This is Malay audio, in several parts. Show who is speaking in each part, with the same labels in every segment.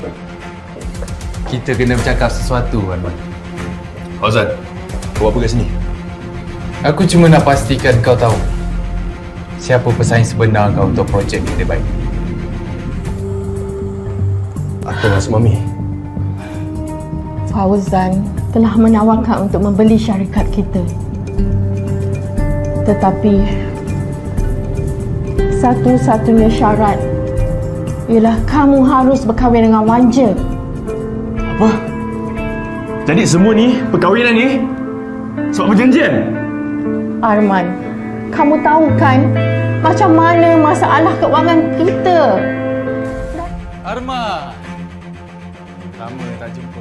Speaker 1: Kita kena bercakap sesuatu, Arman.
Speaker 2: Fauzan, kau apa kat sini?
Speaker 1: Aku cuma nak pastikan kau tahu siapa pesaing sebenar kau untuk projek kita baik.
Speaker 2: Aku rasa Mami.
Speaker 3: Fauzan telah menawarkan untuk membeli syarikat kita. Tetapi satu-satunya syarat ialah kamu harus berkahwin dengan Wanja.
Speaker 2: Apa? Jadi semua ni, perkahwinan ni sebab perjanjian?
Speaker 3: Arman, kamu tahu kan macam mana masalah keuangan kita?
Speaker 1: Arman! Lama tak jumpa.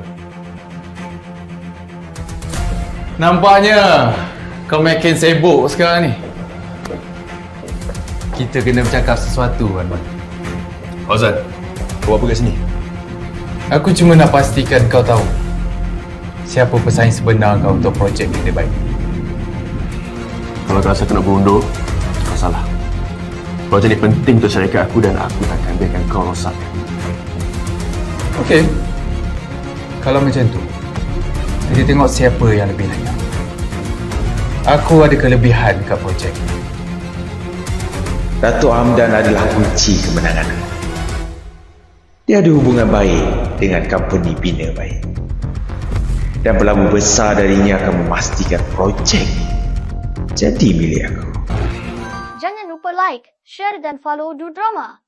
Speaker 1: Nampaknya kau makin sibuk sekarang ni. Kita kena bercakap sesuatu, Arman.
Speaker 2: Fauzan, kau apa kat sini?
Speaker 1: Aku cuma nak pastikan kau tahu siapa pesaing sebenar kau untuk projek kita baik.
Speaker 2: Kalau kau rasa aku nak berundur, kau salah. Projek ni penting untuk syarikat aku dan aku takkan biarkan kau rosak.
Speaker 1: Okey. Kalau macam tu, kita tengok siapa yang lebih layak. Aku ada kelebihan kat projek.
Speaker 4: Datuk Hamdan adalah kunci kemenangan. Dia ada hubungan baik dengan company bina baik. Dan pelabur besar darinya akan memastikan projek jadi milik aku.
Speaker 5: Jangan lupa like, share dan follow Du Drama.